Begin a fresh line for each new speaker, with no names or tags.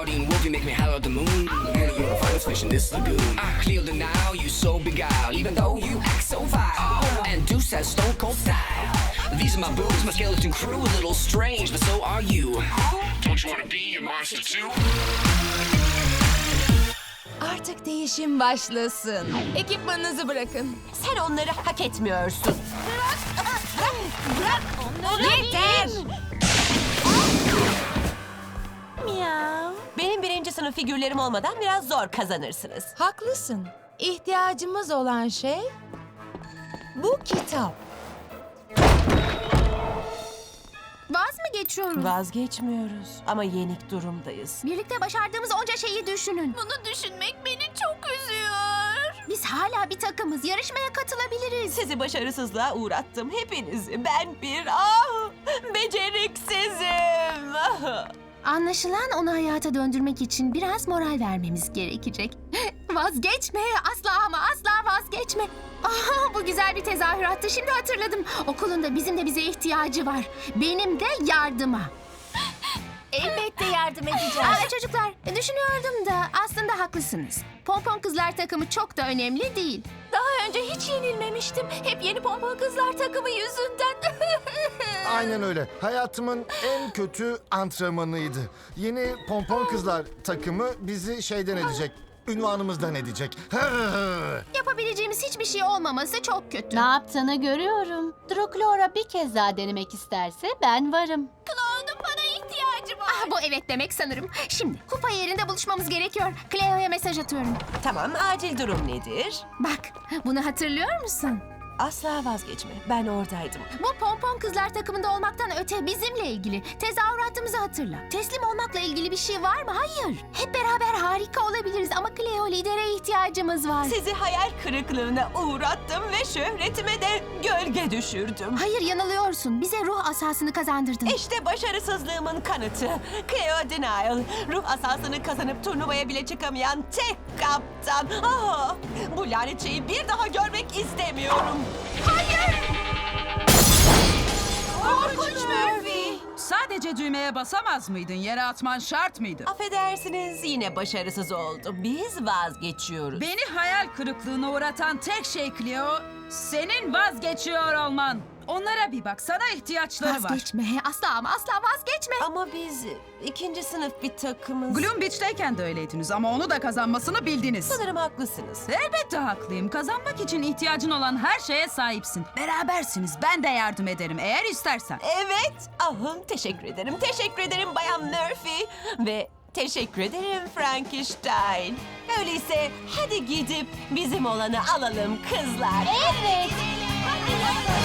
Guardian wolf, you make me howl at the moon. Girl, you're a finest fish in this lagoon. I clear the now, you so beguiled, even though you act so vile. And Deuce has stone cold style. These are my boobs, my skeleton crew, a little strange, but so are you. Don't you wanna be a monster too?
Artık değişim başlasın. Ekipmanınızı bırakın.
Sen onları hak etmiyorsun.
Bırak onları. Yeter.
Miyav. Benim birinci sınıf figürlerim olmadan biraz zor kazanırsınız.
Haklısın. İhtiyacımız olan şey bu kitap.
Vaz mı geçiyoruz?
Vazgeçmiyoruz ama yenik durumdayız.
Birlikte başardığımız onca şeyi düşünün. Bunu düşünmek beni çok üzüyor. Biz hala bir takımız. Yarışmaya katılabiliriz.
Sizi başarısızlığa uğrattım hepinizi. Ben bir beceriksizim.
Anlaşılan onu hayata döndürmek için biraz moral vermemiz gerekecek. Vazgeçme, asla ama asla vazgeçme. Aha, bu güzel bir tezahürattı. Şimdi hatırladım. Okulun da bizim de bize ihtiyacı var. Benim de yardıma.
Elbette yardım edeceğiz.
Çocuklar, düşünüyordum da aslında haklısınız. Pompon kızlar takımı çok da önemli değil.
Daha önce hiç yenilmemiştim. Hep yeni pompon kızlar takımı yüzünden.
Aynen öyle. Hayatımın en kötü antrenmanıydı. Yeni pompon kızlar takımı bizi şeyden edecek. Ünvanımızdan edecek.
Yapabileceğimiz hiçbir şey olmaması çok kötü.
Ne yaptığını görüyorum. Droclora bir kez daha denemek isterse ben varım.
Cloud'un bana ihtiyacı var. Bu evet demek sanırım. Şimdi kupa yerinde buluşmamız gerekiyor. Cleo'ya mesaj atıyorum.
Tamam, acil durum nedir?
Bak, bunu hatırlıyor musun?
Asla vazgeçme. Ben oradaydım.
Bu pompon kızlar takımında olmaktan öte bizimle ilgili. Tezahüratımızı hatırla. Teslim olmakla ilgili bir şey var mı? Hayır. Hep beraber harika olabiliriz ama Cleo lidere ihtiyacımız var.
Sizi hayal kırıklığına uğrattım ve şöhretime de gölge düşürdüm.
Hayır, yanılıyorsun. Bize ruh asasını kazandırdın.
İşte başarısızlığımın kanıtı. Cleo Denial, ruh asasını kazanıp turnuvaya bile çıkamayan tek kaptan. Bu lanet şeyi bir daha görmek istemiyorum.
Korkunç Murphy.
Sadece düğmeye basamaz mıydın? Yere atman şart mıydı?
Affedersiniz, yine başarısız oldu. Biz vazgeçiyoruz.
Beni hayal kırıklığına uğratan tek şey Cleo, senin vazgeçiyor olman. Onlara bir bak, sana ihtiyaçları var.
Vazgeçme. Asla ama asla vazgeçme.
Ama biz ikinci sınıf bir takımız.
Gloom Beach'teyken de öyleydiniz ama onu da kazanmasını bildiniz.
Sanırım haklısınız.
Elbette haklıyım. Kazanmak için ihtiyacın olan her şeye sahipsin. Berabersiniz. Ben de yardım ederim eğer istersen.
Evet. Teşekkür ederim. Teşekkür ederim Bayan Murphy. Ve teşekkür ederim Frankenstein. Öyleyse hadi gidip bizim olanı alalım kızlar.
Evet.
Hadi.